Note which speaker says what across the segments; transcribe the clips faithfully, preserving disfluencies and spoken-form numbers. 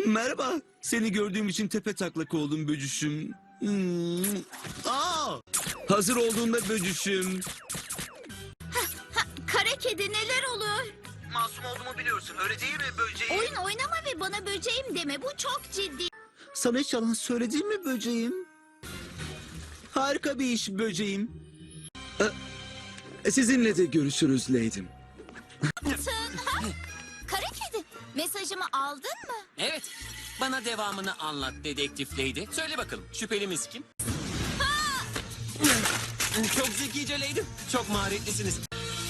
Speaker 1: Merhaba. Seni gördüğüm için tepe taklak oldum böcüşüm. Hmm. Aa! Hazır olduğunda böcüşüm.
Speaker 2: Kara kedi neler oluyor?
Speaker 1: Masum olduğumu biliyorsun. Öyle değil mi böceğim?
Speaker 2: Oyun oynama ve bana böceğim deme. Bu çok ciddi.
Speaker 1: Sana hiç yalan söyledim mi böceğim? Harika bir iş böceğim. Ee, sizinle de görüşürüz Leydim.
Speaker 2: Tın, ha? Kara kedi mesajımı aldın mı?
Speaker 3: Evet. Bana devamını anlat dedektif Lady. Söyle bakalım şüphelimiz kim? Çok zekice Lady. Çok maharetlisiniz.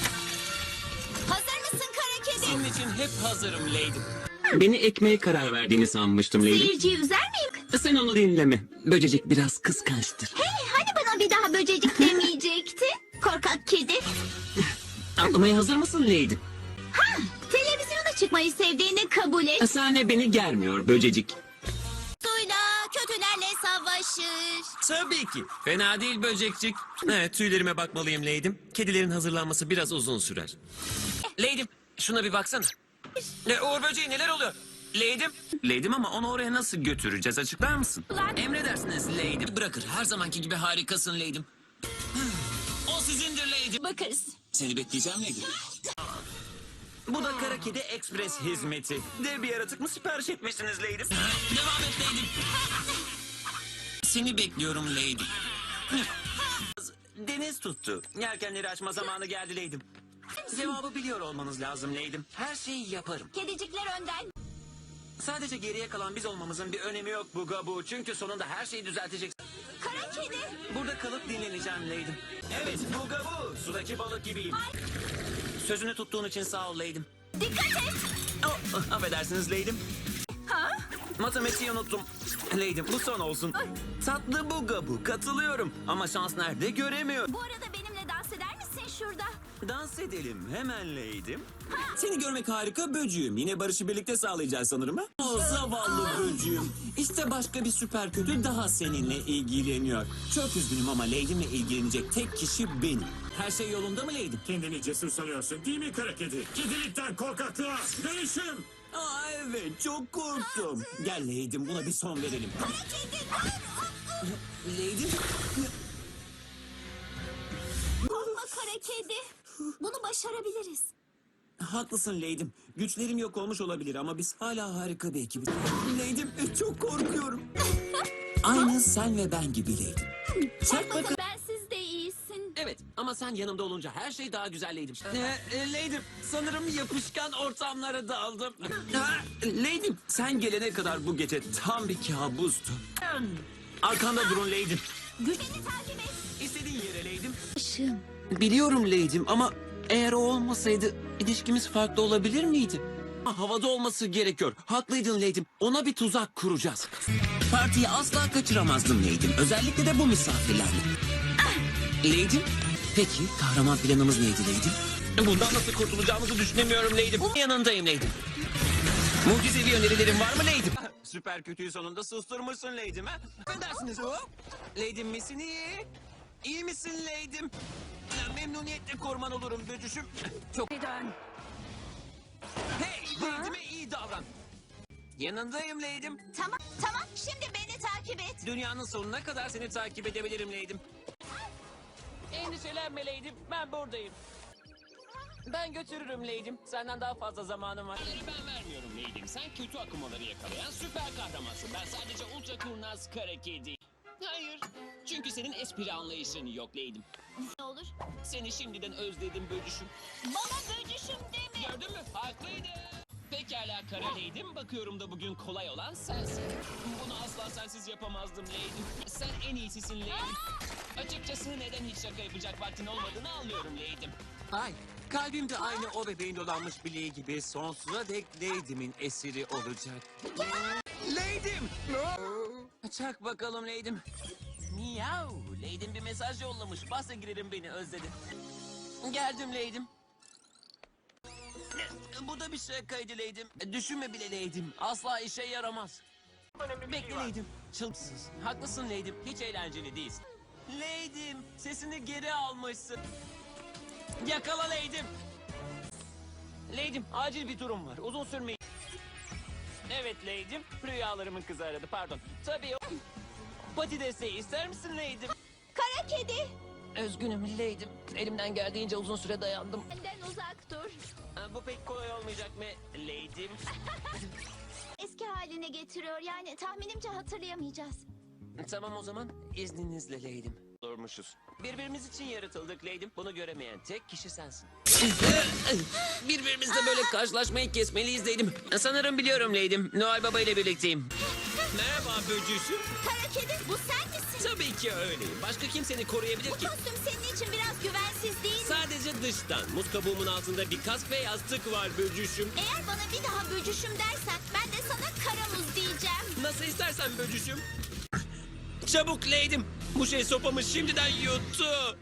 Speaker 2: Hazır mısın kara kedi?
Speaker 3: Senin için hep hazırım Lady. Beni ekmeğe karar verdiğini sanmıştım Lady.
Speaker 2: Seyirciyi üzer miyim?
Speaker 3: Sen onu dinleme. Böcecik biraz kıskançtır.
Speaker 2: Hey, hani bana bir daha böcecik demeyecekti? Korkak kedi.
Speaker 3: Anlamaya hazır mısın Lady?
Speaker 2: Ha, televizyona çıkmayı sevdiğini kabul et.
Speaker 3: Sahne beni germiyor böcecik.
Speaker 2: Suyla kötülerle savaşır.
Speaker 3: Tabii ki. Fena değil böcekçik. Evet, tüylerime bakmalıyım Lady'm. Kedilerin hazırlanması biraz uzun sürer. Lady'm, şuna bir baksana. Ne, Uğur böceği neler oluyor? Lady'm. Lady'm ama onu oraya nasıl götüreceğiz, açıklar mısın? Emredersiniz Lady'm. Bırakır, her zamanki gibi harikasın Lady'm. O sizindir Lady'm.
Speaker 2: Bakarız.
Speaker 3: Seni bekleyeceğim Lady'm. Bu da Kara Kedi Express hizmeti. Dev bir yaratık mı sipariş etmişsiniz Lady'm? Devam et Lady'm. Seni bekliyorum Lady. Deniz tuttu. Yelkenleri açma zamanı geldi Lady'm. Cevabı biliyor olmanız lazım Lady'm. Her şeyi yaparım.
Speaker 2: Kedicikler önden.
Speaker 3: Sadece geriye kalan biz olmamızın bir önemi yok Bugabu. Çünkü sonunda her şeyi düzelteceksin.
Speaker 2: Kara kedi.
Speaker 3: Burada kalıp dinleneceğim Lady'm. Evet Bugabu. Sudaki balık gibiyim. Sözünü tuttuğun için sağ ol Lady'm.
Speaker 2: Dikkat et.
Speaker 3: Oh, affedersiniz Lady'm.
Speaker 2: Ha?
Speaker 3: Matematiği unuttum. Lady'm bu son olsun. Tatlı Bugabu. Katılıyorum. Ama şans nerede göremiyorum.
Speaker 2: Bu arada benimle dans eder misin şurada?
Speaker 3: Dans edelim hemen Lady'm. Seni görmek harika böcüğüm. Yine barışı birlikte sağlayacağız sanırım ha? O zavallı böcüğüm. İşte başka bir süper kötü daha seninle ilgileniyor. Çok üzgünüm ama Lady'mle ilgilenecek tek kişi benim. Her şey yolunda mı Lady'm?
Speaker 4: Kendini cesur sanıyorsun değil mi kara kedi? Kedilikten korkaklığa dönüşüm.
Speaker 3: Aa evet çok korktum. Gel Lady'm buna bir son verelim. Lady'm.
Speaker 2: Korkma kara kedi. Bunu başarabiliriz.
Speaker 3: Haklısın Lady'm. Güçlerim yok olmuş olabilir ama biz hala harika bir ekibiz. Lady'm çok korkuyorum. Aynı sen ve ben gibi Lady'm. Çak bakalım.
Speaker 2: Bensiz de iyisin.
Speaker 3: Evet ama sen yanımda olunca her şey daha güzel Lady'm. Ee, e, Lady'm sanırım yapışkan ortamlara daldım. Ha, Lady'm sen gelene kadar bu gece tam bir kabustu. Arkanda durun Lady'm.
Speaker 2: Beni takip et.
Speaker 3: İstediğin yere Lady'm.
Speaker 2: Işığım.
Speaker 3: Biliyorum Lady'm ama eğer o olmasaydı ilişkimiz farklı olabilir miydi? Havada olması gerekiyor. Haklıydın Lady'm. Ona bir tuzak kuracağız. Partiyi asla kaçıramazdım Lady'm. Özellikle de bu misafirlerle. Lady'm, peki kahraman planımız neydi Lady'm? Bundan nasıl kurtulacağımızı düşünemiyorum Lady'm. Yanındayım Lady'm. Mucizevi önerilerin var mı Lady'm? Süper kötüyü sonunda susturmuşsun Lady'm ha? Ne dersiniz o? Lady'm misin iyi? İyi misin Lady'm? Memnuniyetle korman olurum böcüşüm. Çok
Speaker 2: Dön.
Speaker 3: Hey, Lady'me iyi davran. Yanındayım Lady'm.
Speaker 2: Tamam, tamam. Şimdi beni takip et.
Speaker 3: Dünyanın sonuna kadar seni takip edebilirim Lady'm. Endişelenme Lady'm, ben buradayım. Ben götürürüm Lady'm. Senden daha fazla zamanım var.
Speaker 5: Ben vermiyorum Lady'm. Sen kötü akımaları yakalayan süper kahramansın. Ben sadece ultra kurnaz kara kedi. Hayır. Çünkü senin espri anlayışın yok Lady'm.
Speaker 2: Ne olur?
Speaker 5: Seni şimdiden özledim böcüşüm.
Speaker 2: Bana böcüşüm deme.
Speaker 5: Gördün mü? Haklıydı. Pekala kara Lady'm. Bakıyorum da bugün kolay olan sensin. Bunu asla sensiz yapamazdım Lady'm. Sen en iyisisin Lady'm. Açıkçası neden hiç şaka yapacak vaktin olmadığını anlıyorum Lady'm.
Speaker 3: Ay, kalbimde aynı o bebeğin dolanmış bileği gibi sonsuza dek Lady'min esiri olacak. Lady'm! Çak bakalım Lady'm. Miyav! Lady'm bir mesaj yollamış. Basa girerim beni özledi. Geldim Lady'm. Bu da bir şakaydı Lady'm. Düşünme bile Lady'm. Asla işe yaramaz. Bekle Lady'm. Çılgısız. Haklısın Lady'm. Hiç eğlenceli değilsin. Lady'm sesini geri almışsın. Yakala Lady'm. Lady'm acil bir durum var. Uzun sürmeyin.
Speaker 5: Evet Lady'm, rüyalarımın kızı aradı, pardon. Tabii o... Pati desteği ister misin Lady'm?
Speaker 2: Kara kedi.
Speaker 5: Üzgünüm Lady'm, elimden geldiğince uzun süre dayandım.
Speaker 2: Benden uzak dur.
Speaker 5: Ha, bu pek kolay olmayacak mı Lady'm?
Speaker 2: Eski haline getiriyor. Yani tahminimce hatırlayamayacağız.
Speaker 5: Tamam o zaman, izninizle Lady'm. Durmuşuz. Birbirimiz için yaratıldık Lady'm, bunu göremeyen tek kişi sensin. Birbirimizle böyle karşılaşmayı kesmeliyiz Lady'm. Sanırım biliyorum Lady'm, Noel Baba ile birlikteyim. Merhaba böcüsüm.
Speaker 2: Kara kedi, bu sen misin?
Speaker 5: Tabii ki öyleyim. Başka kim seni koruyabilir
Speaker 2: Bu
Speaker 5: ki?
Speaker 2: kostüm senin için biraz güvensiz değil mi?
Speaker 5: Sadece dıştan. Muz kabuğumun altında bir kask ve yastık var böcüşüm.
Speaker 2: Eğer bana bir daha böcüşüm dersen ben de sana kara muz diyeceğim.
Speaker 5: Nasıl istersen böcüşüm. Çabuk Lady'm. Bu şey sopamı şimdiden yuttu.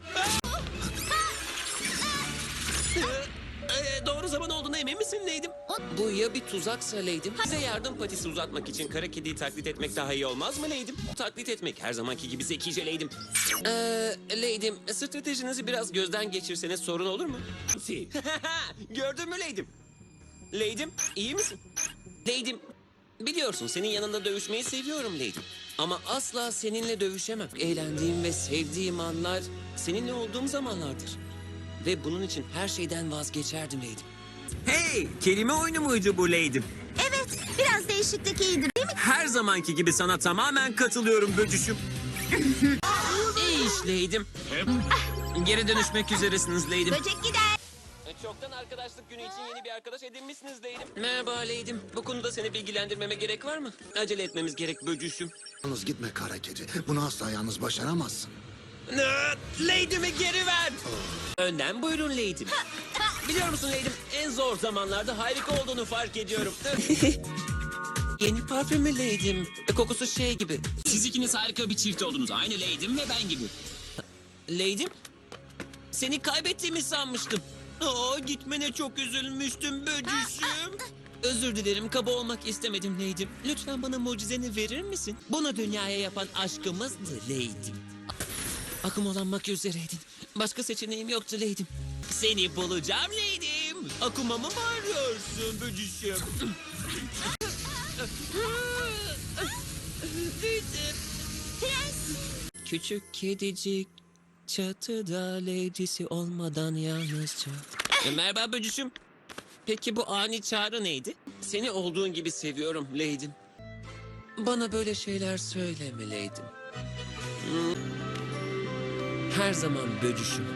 Speaker 5: Ee, doğru zaman olduğuna emin misin Lady'm? Bu ya bir tuzaksa Lady'm? Size yardım patisi uzatmak için kara kediyi taklit etmek daha iyi olmaz mı Lady'm? Taklit etmek her zamanki gibi zekice Lady'm. Ee, Lady'm, stratejinizi biraz gözden geçirseniz sorun olur mu? Gördün mü Lady'm? Lady'm, iyi misin? Lady'm, biliyorsun senin yanında dövüşmeyi seviyorum Lady'm. Ama asla seninle dövüşemem. Eğlendiğim ve sevdiğim anlar seninle olduğum zamanlardır. Ve bunun için her şeyden vazgeçerdim Lady'm.
Speaker 3: Hey, kelime oyunu muydu bu Lady'm?
Speaker 2: Evet, biraz değişiklik iyidir değil mi?
Speaker 3: Her zamanki gibi sana tamamen katılıyorum böcüşüm.
Speaker 5: İyi iş Lady'm.
Speaker 3: Geri dönüşmek üzeresiniz Lady'm.
Speaker 2: Böcek gider.
Speaker 5: Çoktan arkadaşlık günü için yeni bir arkadaş edinmişsiniz Lady'm. Merhaba Lady'm. Bu konuda seni bilgilendirmeme gerek var mı? Acele etmemiz gerek böcüşüm.
Speaker 6: Yalnız gitme kara kedi. Bunu asla yalnız başaramazsın.
Speaker 5: Lady'mi geri ver. Önden buyurun Lady'm. Biliyor musun Lady'm, en zor zamanlarda harika olduğunu fark ediyorum. Yeni parfümü Lady'm. Kokusu şey gibi.
Speaker 3: Siz ikiniz harika bir çift oldunuz. Aynı Lady'm ve ben gibi.
Speaker 5: Lady'm, seni kaybettiğimi sanmıştım. Aa, gitmene çok üzülmüştüm böcüşüm. Özür dilerim, kaba olmak istemedim Lady'm. Lütfen bana mucizeni verir misin? Bunu dünyaya yapan aşkımızdı Lady'm. Akım olanmak üzereydin. Başka seçeneğim yoktu Lady'm. Seni bulacağım Lady'm. Akumamı mı arıyorsun böcüşüm? Lady'm. Küçük kedicik çatıda lady'si olmadan yalnızca. E, merhaba böcüşüm. Peki bu ani çağrı neydi? Seni olduğun gibi seviyorum Lady'm. Bana böyle şeyler söyleme Lady'm. Hmm. Her zaman böcüşüm.